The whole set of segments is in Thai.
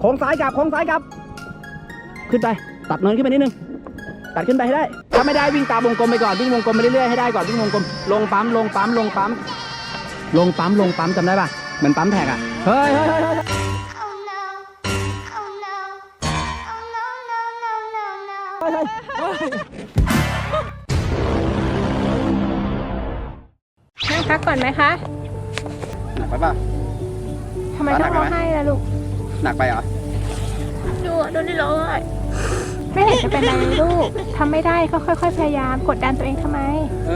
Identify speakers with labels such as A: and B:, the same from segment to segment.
A: โค้งซ้ายกลับขึ้นไปตัดเนินขึ้นไปนิดนึงตัดขึ้นไปให้ได้ถ้าไม่ได้วิ่งตามวงกลมไปก่อนวิ่งวงกลมไปเรื่อยๆให้ได้ก่อนวิ่งวงกลมลงปั๊มจำได้ป่ะเหมือนปั๊มแท็กอ่ะเฮ้ย
B: นั่งพักก่อนไหมคะ
A: หนักไปป่ะ
B: ทำไมต้องร้องไห้ล่ะลูก
A: หนักไปเหรอ
B: ดูนี่ร้องไห้ไม่เห็นจะเป็นไรลูกทำไม่ได้ก็ค่อยๆพยายามกดดันตัวเองทำไม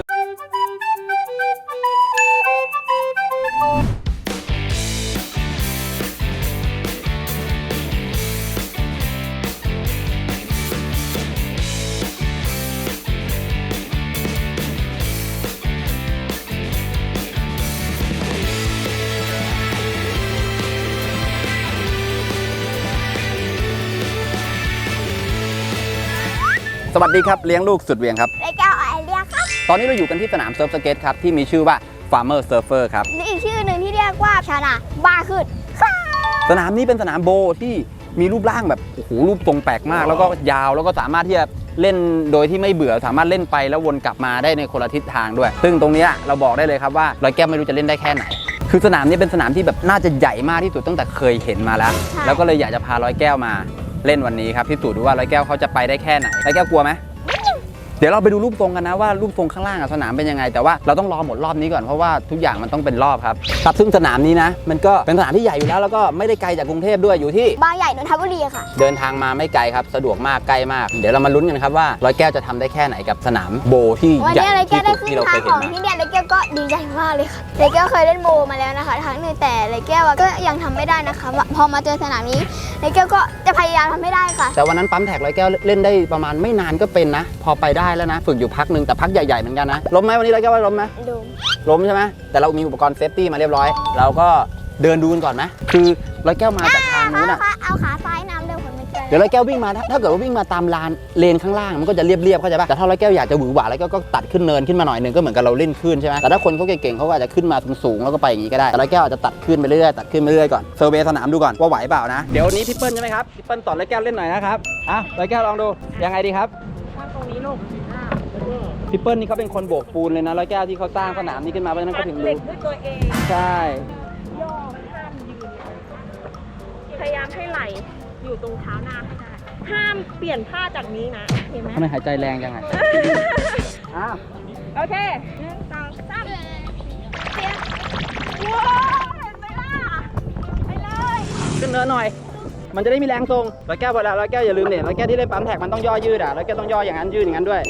A: สวัสดีครับเลี้ยงลูกสุดเวียงครับ
C: ไอ้แก้วไอเรียครับ
A: ตอนนี้เราอยู่กันที่สนามเซิร์ฟสเก็ตครับที่มีชื่อว่า Farmer Surfer ครับ
C: และอีกชื่อหนึ่งที่เรียกว่าชานาบาขึ้น
A: สนามนี้เป็นสนามโบที่มีรูปร่างแบบโอ้โหรูปทรงแปลกมากแล้วก็ยาวแล้วก็สามารถที่จะเล่นโดยที่ไม่เบื่อสามารถเล่นไปแล้ววนกลับมาได้ในคนละทิศทางด้วยซึ่งตรงนี้เราบอกได้เลยครับว่าร้อยแก้วไม่รู้จะเล่นได้แค่ไหนคือสนามนี้เป็นสนามที่แบบน่าจะใหญ่มากที่สุดตั้งแต่เคยเห็นมาแล้วก็เลยอยากจะพาร้อยแก้วมาเล่นวันนี้ครับพิสูจน์ดูว่าร้อยแก้วเขาจะไปได้แค่ไหนร้อยแก้วกลัวไหมเดี๋ยวเราไปดูรูปทรงกันนะว่ารูปทรงข้างล่างสนามเป็นยังไงแต่ว่าเราต้องรอหมดรอบนี้ก่อนเพราะว่าทุกอย่างมันต้องเป็นรอบครับซึ่งสนามนี้นะมันก็เป็นสนามที่ใหญ่อยู่แล้วก็ไม่ได้ไกลจากกรุงเทพด้วยอยู่ที่
C: บางใหญ่นนทบุรีค่ะ
A: เดินทางมาไม่ไกลครับสะดวกมากใกล้มากเดี๋ยวเรามาลุ้นกันครับว่าร้อยแก้วจะทำได้แค่ไหนกับสนามโบที่ใหญ่ที่สุดที่เราเคยเห็นมา
C: ที่เนี่ยเลยแก้วก็ดีใจมากเลยค่ะเลยแก้วเคยเล่นโบมาแล้วนะคะครั้งหนึ่งแต่เลยแก้วก็ยังทำไม่ได้นะคะพอมาเจอสนามนี้เลยแก้วก็จะพยายามทำให้ได้ค่ะ
A: แต่วันนั้นปั๊มแท็กร้อยแก้วเล่นได้ประมาณไม่นานก็เป็นนะพอไปได้แล้วนะฝึกอยู่พักนึงแต่พักใหญ่ๆเหมือนกันนะล้มไหมวันนี้ร้อยแก้วว่าล้มไหมล้มใช่ไหมแต่เรามีอุปกรณ์เซฟตี้มาเรียบร้อยเราก็เดินดูกันก่อนไหมคือร้อยแก้วมาจากทางนู้นอะ
C: เอาขาซ้ายน้ำเร็วคนไม่เจอ
A: เดี๋ยวร้อยแก้ววิ่งมาถ้าเกิดว่าวิ่งมาตามลานเลนข้างล่างมันก็จะเรียบๆเข้าใจป่ะแต่ถ้าร้อยแก้วอยากจะหวือหวาแล้วก็ตัดขึ้นเนินขึ้นมาหน่อยนึงก็เหมือนกับเราเล่นขึ้นใช่ไหมแต่ถ้าคนเขาเก่งๆเขาอาจจะขึ้นมาสูงๆแล้วก็ไปอย่างนี้ก็ได้แต่ร้อยแก้วอาจจะตัดขึ้นไปเรื่อยๆตัดขึ้นไปเรื่อยๆก่อนเซอร์เวย์สนามดูก่อนว่าไหวเปล่านะเดี๋ยวนี้พี่เปิ้ลใช่ไหมครับพี่เปิ้ลสอนร้อยแก้วเล่นหน่อยนะครับร้อยแก้วลองดูยังไงดีครับ
B: ตรงนี้ลูก
A: พี่เปิ้ลนี่เขาเป็นคนโบกปูนเลยนะร้อยแก้วที่เขาสร้างสนามนี้ขึ้นมาเพราะฉะนั้นเขาถึงรู้
B: ด้วยตัวเอง
A: ใช่
B: ย่อห้ามยืนพยายามให้ไหลอยู่ตรงเท้าหน้าให้ได้ห้ามเปลี่ยนท่าจากนี้นะเห็นไหม
A: ทำไมหายใจแรงจังไง
B: โอเค1 2 3ว้าวเห็นไหมล่ะไปเลย
A: ขึ้นเนินหน่อยมันจะได้มีแรงทรงร้อยแก้วพอแล้วร้อยแก้วอย่าลืมเนี่ยร้อยแก้วที่เล่นปั๊มแท็กมันต้องย่อยืดร้อยแก้วต้องย่ออย่างนั้นยืดอย่างนั้นด้วย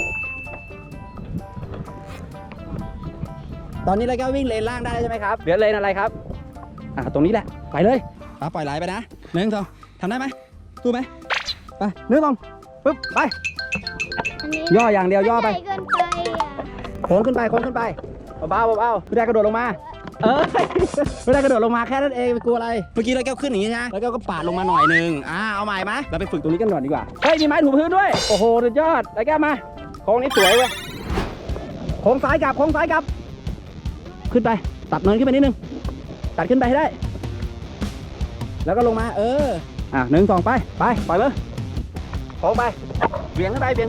A: ตอนนี้ร้อยแก้ววิ่งเลนล่างได้ใช่ไหมครับเหลือเลนอะไรครับตรงนี้แหละไปเลยปล่อยไหลไปนะ1 2ทำได้ไหมสู้ไหมไป1 2ปึ๊บไปย่ออย่างเดียวย่อไปโค้งขึ้นไปเบาไม่ได้กระโดดลงมาไม่ได้กระโดดลงมาแค่นั้นเองไปกลัวอะไรเมื่อกี้ร้อยแก้วขึ้นอย่างนี้นะร้อยแก้วก็ปาดลงมาหน่อยนึงเอาใหม่ไหมเราไปฝึกตรงนี้กันก่อนดีกว่าเฮ้ยมีไม้ถูพื้นด้วยโอ้โหสุดยอดร้อยแก้วมาโค้งนี้สวยเว้ยโค้งซ้ายกลับขึ้นไปตัดเนินขึ้นไปนิดนึงตัดขึ้นไปให้ได้แล้วก็ลงมา1 2ไปปล่อยเลยโค้งไปเบี่ยงขึ้นไป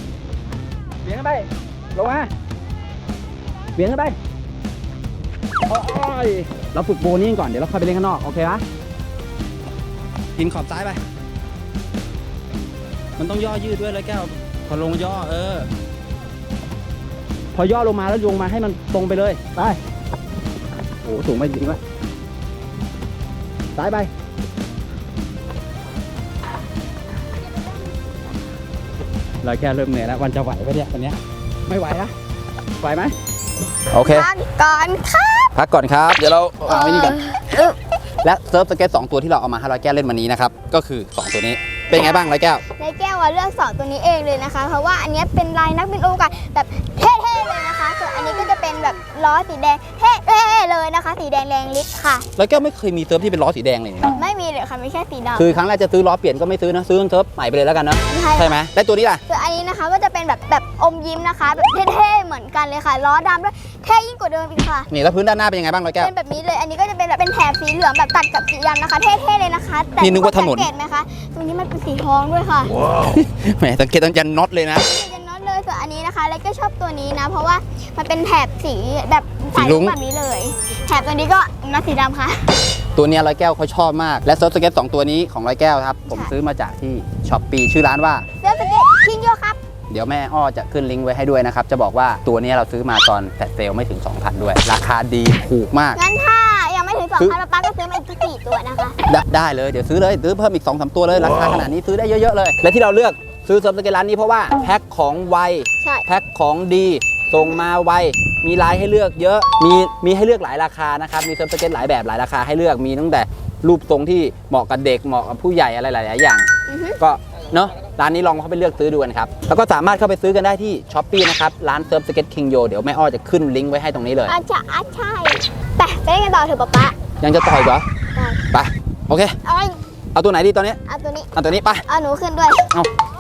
A: ลงมาเบี่ยงขึ้นไปโอ้ยเราฝึกโบนี่ก่อนเดี๋ยวเราค่อยไปเล่นข้างนอกโอเคปะกินขอบซ้ายไปมันต้องย่อยืดด้วยเลยแก้วพอลงย่อพอย่อลงมาแล้วลงมาให้มันตรงไปเลยไปโอ้สูงไปจริงวะซ้ายไปเราแค่เริ่มเหนื่อยแล้ววันจะไหวไหมเนี่ยตอนนี้ไม่ไหวนะไหวไหมโอเค
C: พักก่อน
A: ครับเดี๋ยวเราเอาไว้นี่กันและเซิร์ฟสเก็ต2ตัวที่เราเอามาให้ร้อยแก้วเล่นวันนี้นะครับก็คือ2ตัวนี้เป็นไงบ้างร้อยแก้ว
C: เลือก2ตัวนี้เองเลยนะคะเพราะว่าอันนี้เป็นลายนักบินอวกาศแบบเท่ๆเลยนะคะส่วนอันนี้ก็จะเป็นแบบล้อสีแดงเท่ๆเลยนะคะ สีแดงแรงฤทธิ์ค่ะ
A: แล้วแก้วไม่เคยมีเซิร์ฟที่เป็นล้อสีแดงเลยนะ
C: ไม่มีเลยค่ะมีแค่สีดำ
A: คือครั้งแรกจะซื้อล้อเปลี่ยนก็ไม่ซื้อนะซื้อเซิร์ฟใหม่ไปเลยแล้วกันนะ ใช่ไหมและตัวนี้ล่ะ
C: ส่วนอันนี้นะคะก็จะเป็นแบบอมยิ้มนะคะแบบเท่ๆเหมือนกันเลยค่ะล้อดำด้วยเท่ยิ่งกว่าเดิมอีกค่ะ
A: นี่แล้วพื้นด้านหน้าเป็นยังไงบ้างร้อยแก้ว
C: เป็นแบบนี้เลยอันนี้ก็จะเป็นแบบเป็นแถบสีเหลืองแบบตัดกับสีดำนะคะเท่ๆเลยนะคะแต่
A: นี่นึกว่าถนน
C: สังเกตไหมคะตรงนี้มันเป็นสีทองด้วยค่ะ
A: แหมสังเกตตั้งแต่น็อตเลยนะ
C: จะน็อตเลยส่วนอันนี้นะคะแล้วก็ชอบตัวนี้นะ เพราะว่ามันเป็นแถบสีแบบ
A: สีลุ้ง
C: แบบนี้เลย แถบตัวนี้ก็น็อตสีดำค่ะ
A: ตัวเนี้ยร้อยแก้วเขาชอบมากและเซิร์ฟสเก็ต2ตัวนี้ของร้อยแก้วครับผมซื้อมาจากที่ช้อปปี้ชื่อร้านว่า
C: เสื้อสเก็ตคิงโยครับ
A: เดี๋ยวแม่อ้อจะขึ้นลิงก์ไว้ให้ด้วยนะครับจะบอกว่าตัวเนี้ยเราซื้อมาตอนแฟลชเซลไม่ถึง 2,000 ด้วย ราคาดีถูกมาก
C: งั้นถ้ายังไม่ถึง
A: ซื้อ
C: 2,000ป๊าก็ซื้อมาอีก4ตัวนะคะ
A: ได้เลยเดี๋ยวซื้อเลยซื้อเพิ่มอีก 2-3 ตัวเลยราคาขนาดนี้ซื้อได้เยอะๆเลยและที่เราเลือกซื้อเซิร์ฟสเก็ตร้านนี้เพราะว่าแพ็คของไว
C: ใช่
A: แพ็คของดีส่งมาไวมีลายให้เลือกเยอะมีให้เลือกหลายราคานะครับมีเซิร์ฟสเก็ตหลายแบบหลายราคาให้เลือกมีตั้งแต่รูปทรงที่เหมาะกับเด็กเหมาะกับผู้ใหญ่อะไรหลายๆอย่าง
C: อือฮึ
A: ก็เนาะร้านนี้ลองเข้าไปเลือกซื้อดูกันครับแล้วก็สามารถเข้าไปซื้อกันได้ที่ช้อปปี้นะครับร้านเซิร์ฟสเก็ตคิงโยเดี๋ยวแม่อ้อจะขึ้นลิงก์ไว้ให้ตรงนี้เลย
C: อาจจะใช่ไปเล่นกันต่อเถอะป๊า
A: ยังจะต่อยเหรอ
C: ได้
A: ไปโอเค เอาตัวไหนดีตอนนี้
C: เอาตัวนี้
A: เอาตัวนี้ไป
C: เอาหนูขึ้นด้วย
A: เอา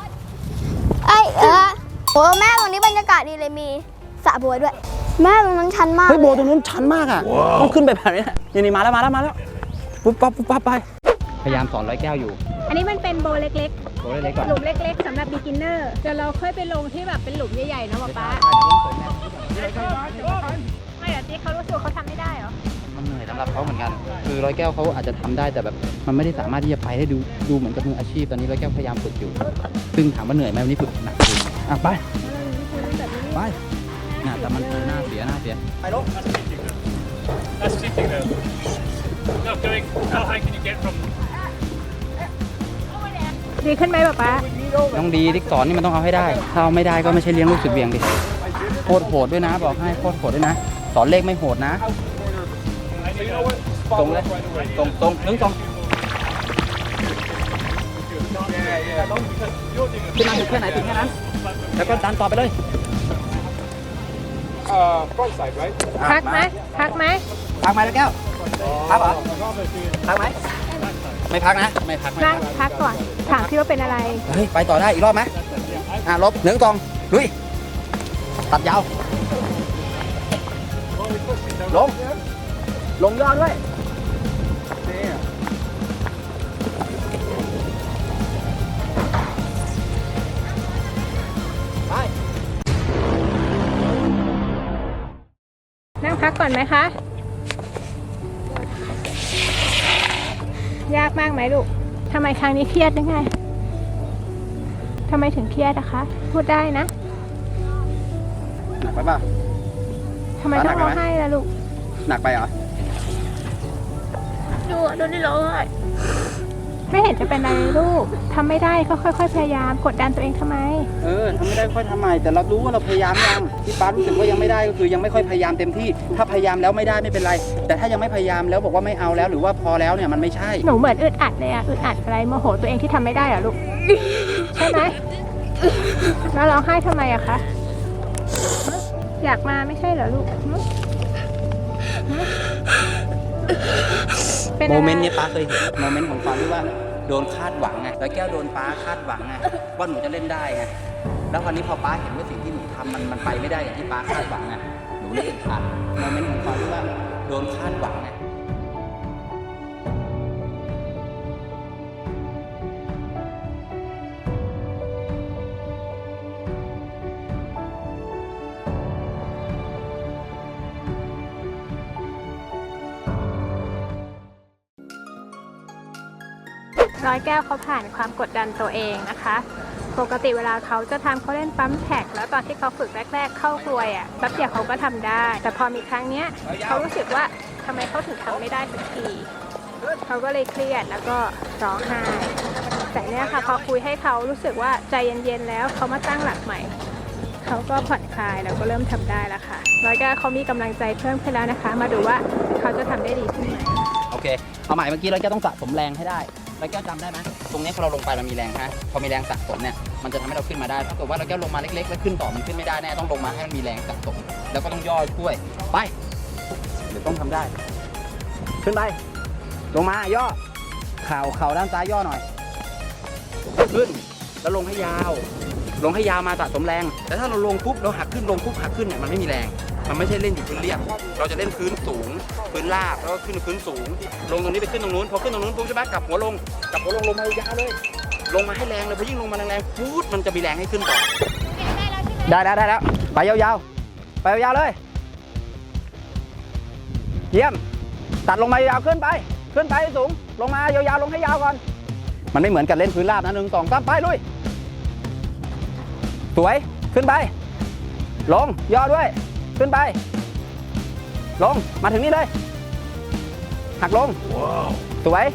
C: โอ้แม่ตรงนี้บรรยากาศดีเลยมีสระบัวด้วย แม่ตรงนั้นชันมาก
A: เฮ้ยโบ
C: เลย
A: ตรงนู้นชันมากอ่ะต้องขึ้นไปแบบนี้นะนี่มาแล้วปุ๊บปั๊บไปพยายามสอนร้อยแก้วอยู่
B: อันนี้มันเป็นโบเล็ก
A: โบเล็กๆก่อน
B: ๆ หลุมเล็กๆสำหรับ beginner เดี๋ยวเราค่อยไปลงที่แบบเป็นหลุมใหญ่ๆนะป๊าไม่เดี๋ยวจิ๊กเขารู้สึกว่าเขาทำไม่ได้เหรอ
A: มันเหนื่อยสำหรับเขาเหมือนกันคือร้อยแก้วเขาอาจจะทำได้แต่แบบมันไม่ได้สามารถที่จะไปได้ดูเหมือนกับมืออาชีพตอนนี้ร้อยแก้วพยายามฝึกอยู่ซึ่งถามว่าเหนื่อยไหมวันนี้ฝึกหนักจริงอ่ะไปน่าแต่มันหน้าเสียไปลง
D: That's sitting there. Not going. How high can you get from?
B: ดีขึ้นไหมป๊า
A: ต้องดีที่สอนนี่มันต้องเอาให้ได้ถ้าเอาไม่ได้ก็ไม่ใช่เลี้ยงลูกสุดเบี่ยงดิโคตรโหดด้วยนะบอกให้โคตรโหดด้วยนะสอนเลขไม่โหดนะ ตรงเลยตรงนึงตรงขึ้นมาถึงแค่ไหนถึงแค่นั้นแล้วก็ดันต่อไปเลย
D: Front side, right?
B: พักไหมพักไหม
A: พักไหมแล้วแก้วพักเหรอพักไหมไม่พักนะไม่พัก
B: นั่งพักก่อน ถามพี่ว่าเป็นอะไร
A: เฮ้ยไปต่อได้อีกรอบไหมลบ1 2ลุยตัดยาวลงยอดด้วยไป
B: นั่งพักก่อนไหมคะ ยากมากไหมลูก ทำไมครั้งนี้เครียดยังไง ทำไมถึงเครียดนะคะ พูดได้นะ
A: หนักไปเปล่า
B: ทำไมต้องร้องไห้ล่ะลูก
A: หนักไปเหรอ
B: ดูนี่ร้องไห้ไม่เห็นจะเป็นอะไรเลยลูก ทำไม่ได้ก็ค่อยๆพยายามกดดันตัวเองทำไม
A: ทำไม่ได้ค่อยทำใหม่แต่เรารู้ว่าเราพยายามยังที่ป้ารู้สึกว่ายังไม่ได้ก็คือยังไม่ค่อยพยายามเต็มที่ถ้าพยายามแล้วไม่ได้ไม่เป็นไร แต่ถ้ายังไม่พยายามแล้วบอกว่าไม่เอาแล้วหรือว่าพอแล้วเนี่ยมันไม่ใช่
B: หนูเหมือนอึดอัดเลยอะอึดอัดอะไรโมโหตัวเองที่ทำไม่ได้เหรอลูก ใช่ไหมแล้วร้องไห้ทำไมอะคะอยากมาไม่ใช่เหรอลูกเป็น
A: โม
B: อะไร
A: เมนต์นี้ป้าเคยเห็นโมเมนต์ของความที่ว่าโดนคาดหวังไงแล้วแก้วโดนป้าคาดหวังไงว่าหนูจะเล่นได้ไงแล้ววันนี้พอป้าเห็นว่าสิ่งที่หนูทำมันไปไม่ได้อย่างที่ป้าคาดหวังไงหนูเลยอึดอัดโมเมนต์ของความที่ว่าโดนคาดหวังไง
B: ร้อยแก้วเขาผ่านความกดดันตัวเองนะคะ ปกติเวลาเขาจะทำเขาเล่นปั๊มแท็กแล้วตอนที่เขาฝึกแรกๆเข้ากลวยอ่ะแป๊บเดียวเขาก็ทำได้ แต่พอมีครั้งเนี้ยเขารู้สึกว่าทำไมเขาถึงทำไม่ได้สักทีเขาก็เลยเครียดแล้วก็ร้องไห้แต่เนี้ยค่ะพอคุยให้เขารู้สึกว่าใจเย็นๆแล้วเขามาตั้งหลักใหม่เขาก็ผ่อนคลายแล้วก็เริ่มทำได้แล้วค่ะร้อยแก้วเขามีกำลังใจเพิ่มขึ้นแล้วนะคะ มาดูว่าเขาจะทำได้ดีขึ้นไหม
A: โอเคเอาใหม่เมื่อกี้เราจะต้องสะสมแรงให้ได้แล้วแก้วจำได้ไหมตรงนี้พอเราลงไปมันมีแรงฮะพอมีแรงสะสมเนี่ยมันจะทำให้เราขึ้นมาได้ถ้าเกิดว่าเราแก้วลงมาเล็กๆแล้วขึ้นต่อมันขึ้นไม่ได้แน่ต้องลงมาให้มันมีแรงสะสมแล้วก็ต้องย่อช่วยไปเดี๋ยวต้องทำได้ ขึ้นไปลงมาย่อเข่าด้านซ้ายย่อหน่อยขึ้นแล้วลงให้ยาวลงให้ยาวมาสะสมแรงแต่ถ้าเราลงปุ๊บเราหักขึ้นลงปุ๊บหักขึ้นเนี่ยมันไม่มีแรงมันไม่ใช่เล่นอยู่พื้นเรียบเราจะเล่นพื้นสูงพื้นราบแล้วก็ขึ้นพื้นสูงลงตรงนี้ไปขึ้นตรงนู้นพอขึ้นตรงนู้นปุ๊บใช่ไหมกลับหัวลงลงมายาวเลยลงมาให้แรงเลยพอยิ่งลงมาแรงๆปุ๊บมันจะมีแรงให้ขึ้นต่อได้แล้วไปยาวๆไปยาวๆเลยเยี่ยมตัดลงมายาวขึ้นไปให้สูงลงมายาวๆลงให้ยาวก่อนมันไม่เหมือนกันเล่นพื้นราบนะ1 2 3ไปลุยสวยขึ้นไปลงย่อด้วยขึ้นไปลงมาถึงนี่เลยหักลงสวย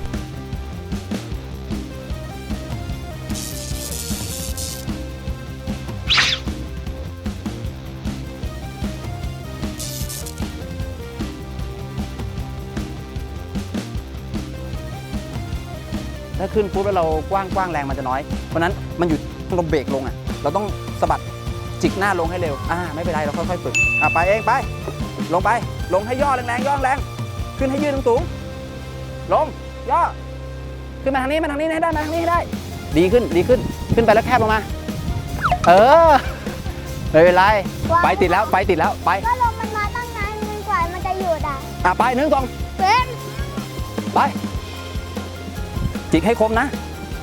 A: ถ้าขึ้นปุ๊บแล้วเรากว้างแรงมันจะน้อยเพราะนั้นมันอยู่เราเบรกลงอ่ะเราต้องสะบัดจิกหน้าลงให้เร็วไม่เป็นไรเราค่อยๆฝึกไปเองไปลงให้ย่อแรงย่อแรงขึ้นให้ยืนสูงลงย่อขึ้นมาทางนี้ให้ได้มาทางนี้ให้ได้ดีขึ้นขึ้นไปแล้วแคบลงมาไม่เป็นไรไปติดแล้วไป
C: ก็ลมมันมาตั้งนานมันกว่ามันจะหยุด
A: ไป1 2ไปจิกให้คมนะ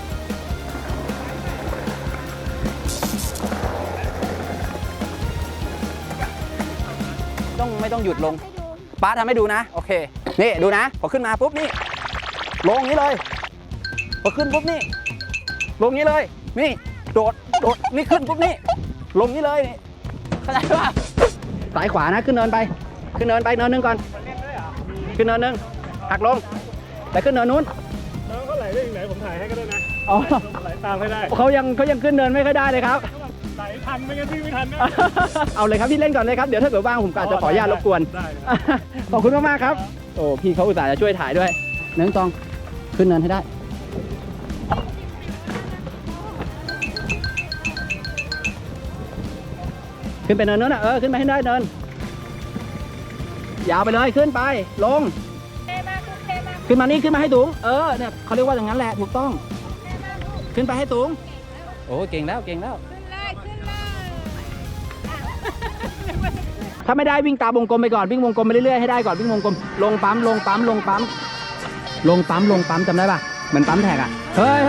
A: ไม่ต้องหยุดลงป้าทำให้ดูนะโอเคนี่ดูนะพอขึ้นมาปุ๊บนี่ลงนี้เลยพอขึ้นปุ๊บนี่ลงนี้เลยนี่โดดนี่ขึ้นปุ๊บนี่ลงนี้เลยนี่เข้าใจป่ะสายขวานะขึ้นเนินไปเนินนึงก่อนขึ้นเนินนึงหักลงแต่ขึ้นเนินนู้น
D: น้องเขาไหลได้ยังไงผมถ่ายให้ก็ได้นะไหลตามให้ได้
A: เขายังขึ้นเนินไม่ค่อยได้เลยครับ
D: ไหลทันไม่งั้นพี่ไม่ทันนะ
A: เอาเลยครับพี่เล่นก่อนเลยครับเดี๋ยวถ้าเกิดว่างผมก็อาจจะขออนุญาตรบกวนขอบคุณมากๆครับโอ้พี่เขาอุตส่าห์จะช่วยถ่ายด้วย1 2ขึ้นเนินให้ได้ขึ้นไปเนินนั้นนะขึ้นไปให้ได้เนินยาวไปเลยขึ้นไปลงขึ้นมานี่ขึ้นมาให้สูงเนี่ยเขาเรียกว่าอย่างนั้นแหละถูกต้องขึ้นไปให้สูงโอ้เก่งแล้วถ้าไม่ได้วิ่งตามวงกลมไปก่อนวิ่งวงกลมไปเรื่อยๆให้ได้ก่อนวิ่งวงกลมลงปั๊มจำได้ป่ะเหมือนปั๊มแท็กเฮ้ย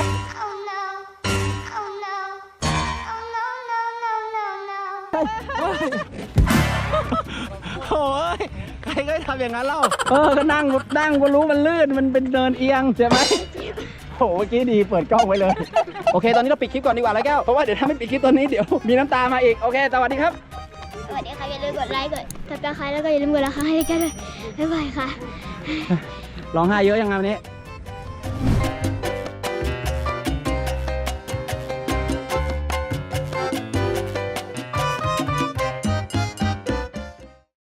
A: โอ้ยใครก็ทำอย่างนั้นเล่าก็นั่งก็รู้มันลื่นมันเป็นเนินเอียงใช่ไหมโหเมื่อกี้ดีเปิดกล้องไว้เลยโอเคตอนนี้เราปิดคลิปก่อนดีกว่าแล้วแก้วเพราะว่าเดี๋ยวถ้าไม่ปิดคลิปตอนนี้เดี๋ยวมีน้ำตามาอีกโอเคสวัสดีครับ
C: สวัสดีค่ะอย่าลืมกดไลค์กดซับสไครต์แล้วก็อย่าลืมกดราคาให้แก้วด้วยบ๊ายบายค่ะ
A: ร้องไห้เยอะยังไงวันนี้